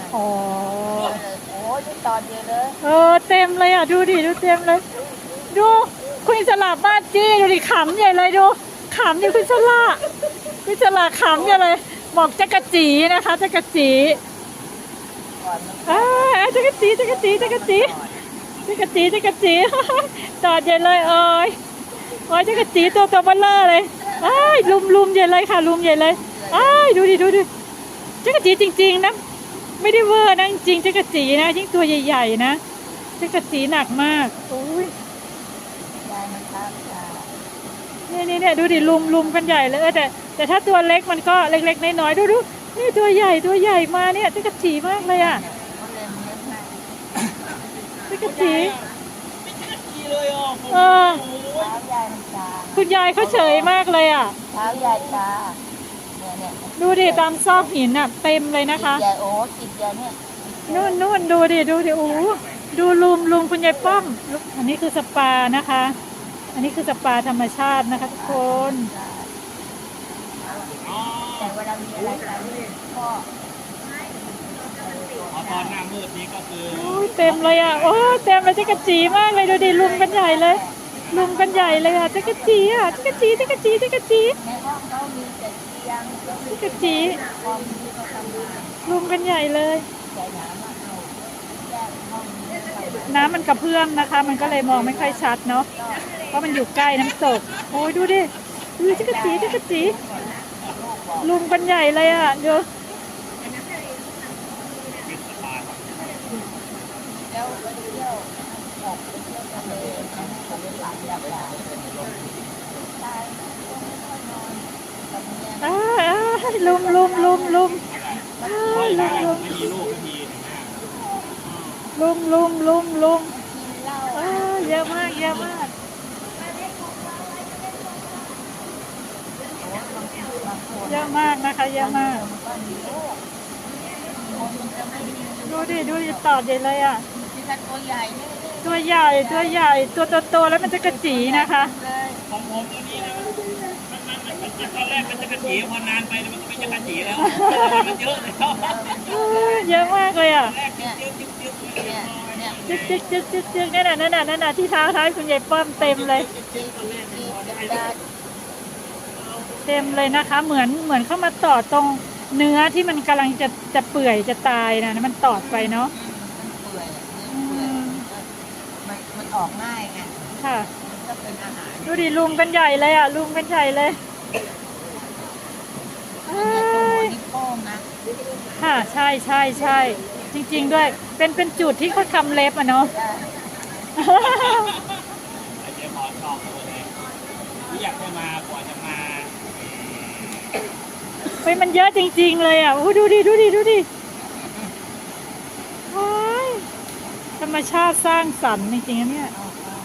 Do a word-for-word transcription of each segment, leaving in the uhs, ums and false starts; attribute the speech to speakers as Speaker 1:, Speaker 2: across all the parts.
Speaker 1: อ๋อ
Speaker 2: โอ้ยตอนเดียวเลย
Speaker 1: เออเต็มเลยอ่ะดูดิดูเต็มเลยดูคุณอิสระบ้านจี้ดูดิขำใหญ่เลยดูขำดิคุณอิสระคุณอิสระขำใหญ่เลยบอกจักรจีนะคะจักรจีอ่าจักรจีจักรจีจักรจีจักรจีจักรจีตอดใหญ่เลยเอ้ยโอ้ยจักรจีตัวตัวเบลเลอร์เลยอ้ายลุมลุมใหญ่เลยค่ะลุมใหญ่เลยอ้ายดูดิดูดิจักรจีจริงๆนะไม่ได้เวอร์นะจริงๆจักรจีนะยิ่งตัวใหญ่ๆนะจักรจีหนักมากโอ้ยนี่นี่เนี่ยดูดิลุมลุมกันใหญ่เลยแต่แต่ถ้าตัวเล็กมันก็เล็กๆน้อยๆดูดูนี่ตัวใหญ่ตัวใหญ่มาเนี่ยจักรจีมากเลยอ่ะจักรจีเออคุณยายเขาเฉยมากเลยอ่ะ
Speaker 2: เท้าใหญ่ตา
Speaker 1: ดูดิตามซอกหินอ่ะเต็มเลยนะคะ
Speaker 2: ใหญ่โอ้ติดใหญ่เนี่ย
Speaker 1: นู่นนู่นดูดิดูดิโอ้ดูลุมลุมคุณยายป้อมอันนี้คือสปานะคะอันนี้คือสปาธรรมชาตินะคะทุกคน
Speaker 2: แต่เวลามีอะไรกันก็
Speaker 3: ตอนหน้ามืดนี้ก็คือ
Speaker 1: โอ้ยเต็มเลยอ่ะโอ้เต็มเลยจักรจีมากเลยดูดิลุมกันใหญ่เลยลุมกันใหญ่เลยอ่ะจักรจีอ่ะจักรจีจักรจีจักรจี
Speaker 2: ในห้องเขามีแต่เตียง
Speaker 1: จักรจีลุมกันใหญ่เลยน้ำมันกระเพื่อมนะคะมันก็เลยมองไม่ค่อยชัดเนาะเพราะมันอยู่ใกล้น้ำตกโอ้ยดูดิดูจักรจีจักรจีลุมกันใหญ่เลยอ่ะดู
Speaker 2: แล้วไปเที่ยวออกไปเที่ยวทะเลนะเขาไปหลับหลับหลับตายก็ไม่ค่อยนอนกับเมีย
Speaker 1: อ้าลุมลุมลุมลุม
Speaker 3: ลุมลุมไม่มีลูกไม่มี
Speaker 1: ลุมลุมลุมลุมเยอะมากเยอะมากเยอะมากนะคะเยอะมากดูดิดูดิตอดใหญ่เลยอ่ะ
Speaker 2: ตัวใหญ่
Speaker 1: ตัวใหญ่ตัวใหญ่ตัวโตๆแล้วมันจะกระจีนะคะ
Speaker 3: ของผมตัวนี้นะมันมันมันตอนแรกมันจะกระจีพอนานไปมันก็ไม่จะกระจีแล้วมันเยอะเลย
Speaker 1: เยอะมากเลยอ่ะ
Speaker 2: จิ๊ก
Speaker 1: จิ๊กจิ๊กจิ๊กจิ๊กนั่นน่ะนั่นน่ะนั่นน่ะที่เท้าท้ายคุณยายป้อมเต็มเลยเต็มเลยนะคะเหมือนเหมือนเข้ามาต่อตรงเนื้อที่มันกำลังจะจะเปื่อยจะตายนะมันตอดไปเนาะ
Speaker 2: มันมันออกง่ายไง
Speaker 1: ค่ะ
Speaker 2: ก็เป็นอาหาร
Speaker 1: ดูดิลุมกันใหญ่เลยอ่ะลุมกันใหญ่เลย
Speaker 2: นี่โป้งนะ
Speaker 1: ค่ะใช่ใช่ใช่จริงๆด้วยเป็นเป็นจุดที่เขาทำเล็บอ่ะเนาะ
Speaker 3: เดี๋ยวขอตอบเลยที่อยากให้มากว่าจะมา
Speaker 1: เฮ้ยมันเยอะจริงๆเลยอ่ะโอ้ดูดิดูดิดูดิธรรมชาติสร้างสรรค์จริงๆเนี่ย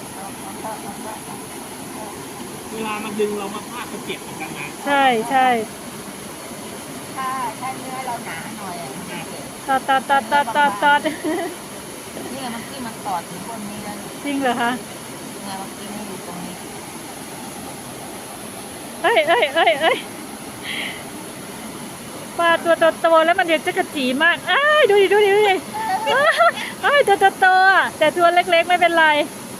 Speaker 3: เวลามันดึงเรามาพากก็เจ็บเหมือนกันนะ
Speaker 1: ใช่ใช่
Speaker 2: ถ้าถ้าเนื้อเราหนาหน่อย
Speaker 1: ตอดตอดตอดตอดตอดตอด
Speaker 2: นี่มันที่มันตอดถึงบนนี้แล้ว
Speaker 1: จริงเหรอคะ
Speaker 2: เนี่ยเมื่อกี้มันอยู่ตรงนี้
Speaker 1: เอ้ยเอ้ยเอ้ยเอ้ยปลาตัวโตๆแล้วมันเดี๋ยวจะกระจีมากอ้ายดูดิดูดิดูดิอ้ายตัวโตๆอ่ะแต่ตัวเล็กๆไม่เป็นไร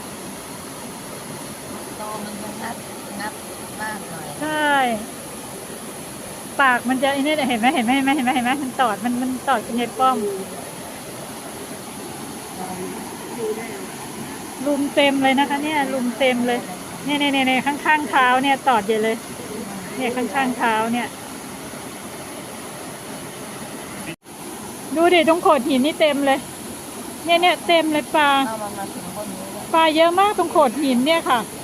Speaker 2: โตมันจะนับนับมากหน่อย
Speaker 1: ใช่ปากมันจะไอ้นี่เห็นไหมเห็นไหมเห็นไหมเห็นไหมเห็นไหมมันตอดมันมันตอดคุณยายป้อมลุมเต็มเลยนะคะเนี่ยลุมเต็มเลยเนี่ยเนี่ยเนี่ยข้างๆเท้าเนี่ยตอดใหญ่เลยเนี่ยข้างๆเท้าเนี่ยดูดิตรงโขดหินนี่เต็มเลยเนี่ยเนี่ยเต็มเลยปลาปลาเยอะมากตรงโขดหินเนี่ยค่ะ